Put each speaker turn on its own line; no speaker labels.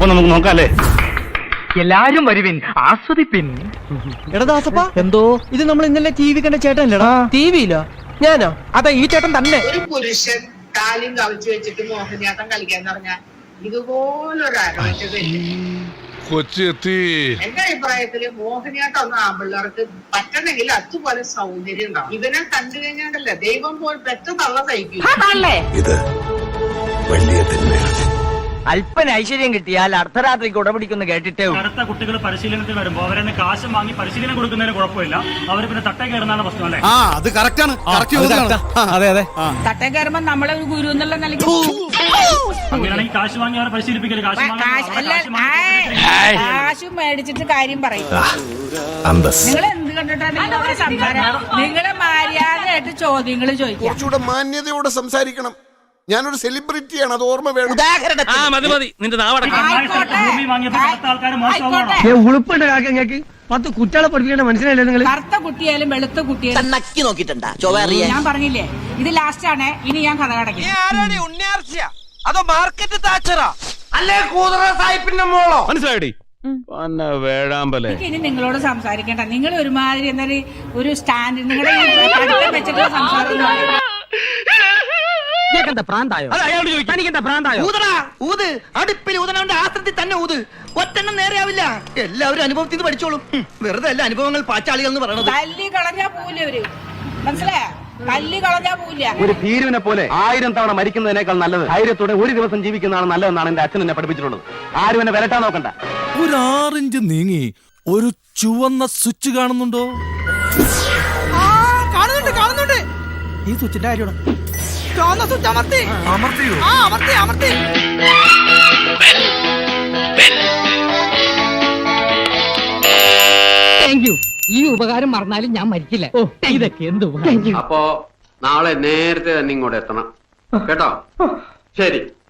അപ്പൊ നമുക്ക് നോക്കാല്ലേ?
എല്ലാരും വരുവിൻ, ആസ്വദിപ്പിൻ.
എടാ ദാസപ്പ, എന്തോ ഇത് നമ്മൾ ഇന്നലെ ടി വി കണ്ട ചേട്ടനല്ലേടാ? ടി വിയില്ല, ഞാനോ? അതാ ഈ ചേട്ടൻ തന്നെ.
ഒരു പുരുഷൻ കാലും കവിച്ചു വെച്ചിട്ട് മോഹിനിയാട്ടം കളിക്കാന്ന് പറഞ്ഞാൽ ഇതുപോലൊരു ആരോഗ്യമില്ല.
കൊച്ചെത്തി.
എന്റെ അഭിപ്രായത്തില് മോഹിനിയാട്ടം ഒന്നും ആമ്പിള്ളേർക്ക് പറ്റണമെങ്കിൽ അതുപോലെ സൗന്ദര്യം ഉണ്ടാവും. ഇവനെ കണ്ടു കഴിഞ്ഞാണ്ടല്ല ദൈവം പോൽ പെറ്റ തള്ള സഹിക്കും.
ഇത് വലിയ തിന്മയാണ്.
അല്പന ഐശ്വര്യം കിട്ടിയാൽ അർദ്ധരാത്രിക്ക് ഉടപിടിക്കുന്നു കേട്ടിട്ടേ.
അടുത്ത കുട്ടികൾ പരിശീലനത്തിൽ വരുമ്പോൾ അവരെ കാശ് വാങ്ങി പരിശീലനം കൊടുക്കുന്നതിന് കുഴപ്പമില്ല. അവർ പിന്നെ തട്ടേ കയറുന്നതാണ് പ്രശ്നം അല്ലേ?
അത് കറക്റ്റാണ്.
അതെ അതെ.
തട്ടേ കയറുമ്പോ നമ്മളെ ഒരു ഗുരു എന്നുള്ള നിലയ്ക്ക്
അങ്ങനെയാണെങ്കിൽ കാശ് വാങ്ങി അവരെ പരിശീലിപ്പിക്കല്.
കാശും മേടിച്ചിട്ട് കാര്യം പറയും. നിങ്ങൾ എന്ത് കണ്ടിട്ടാണ് നിങ്ങളുടെ സംസാരം? നിങ്ങളെ മര്യാദയായിട്ട് ചോദ്യങ്ങൾ ചോദിക്കും.
കുറച്ചുകൂടെ മാന്യതയോടെ സംസാരിക്കണം. ഞാനൊരു സെലിബ്രിറ്റിയാണ്, അത് ഓർമ്മ വേണം.
മതി നിന്റെ നാവടക്കം.
ഭൂമി വാങ്ങിയപ്പോൾ അടുത്ത ആൾക്കാർ മോശമാണോ?
ഉളുപ്പുണ്ട് കാക്കങ്ങൾക്ക്. 10 കുട്ടികളെ പഠിപ്പിക്കേണ്ട മനസ്സിലായില്ലേ നിങ്ങൾ?
കറുത്ത കുട്ടിയാലും വെളുത്ത കുട്ടിയാലും ഞാൻ പറഞ്ഞില്ലേ, ഇത് ലാസ്റ്റ് ആണ്. ഇനി ഞാൻ കഥ കടക്കും.
അതോ മാർക്കറ്റ് താച്ചറാ അല്ലേ കൂതറ സാഹിബിന്റെ മോളോ?
മനസ്സിലായി വേഴാമ്പലേ.
ഇനി നിങ്ങളോട് സംസാരിക്കേണ്ട. നിങ്ങൾ ഒരുമാതിരി എന്നാല് ഒരു സ്റ്റാൻഡ് നിങ്ങളുടെ പഠിത്തം വെച്ചിട്ട് സംസാരിക്കുന്നു.
ഊത് അടുപ്പിൽ ഊതനവന്റെ ആസ്ത്രത്തിൽ തന്നെ ഊത്. ഒറ്റെണ്ണം നേരെയാവില്ല. എല്ലാവരും അനുഭവത്തിൽ നിന്ന് പഠിച്ചോളും. വെറുതെ അല്ല അനുഭവങ്ങൾ പാച്ചാളികൾ എന്ന് പറയണത്.
തല്ലി കളഞ്ഞാ പോവില്ല അവര്, മനസ്സിലായോ? തല്ലി കളഞ്ഞാ പോവില്ല.
ഒരു ഭീരുവിനെ പോലെ 1000 തവണ മരിക്കുന്നതിനേക്കാൾ നല്ലത് ധൈര്യത്തോടെ ഒരു ദിവസം ജീവിക്കുന്നതാണ് നല്ലതെന്നാണ് എന്റെ അച്ഛൻ എന്നെ പഠിപ്പിച്ചിട്ടുള്ളത്. ആരും എന്നെ വിലട്ടാൻ നോക്കണ്ട.
ഒരു 6 ഇഞ്ച് നീങ്ങി ഒരു ചുവന്ന സ്വിച്ച് കാണുന്നുണ്ടോ?
കാണുന്നുണ്ട്. ഈ സ്വിച്ചിന്റെ കാര്യമാണ്. അമർത്തിയോ? അമർത്തി.
Thank you. ഈ ഉപകാരം മറന്നാലും ഞാൻ മരിക്കില്ല. ഇതൊക്കെ എന്ത്
അപ്പോ നാളെ നേരത്തെ തന്നെ ഇങ്ങോട്ട് എത്തണം കേട്ടോ? ശരി.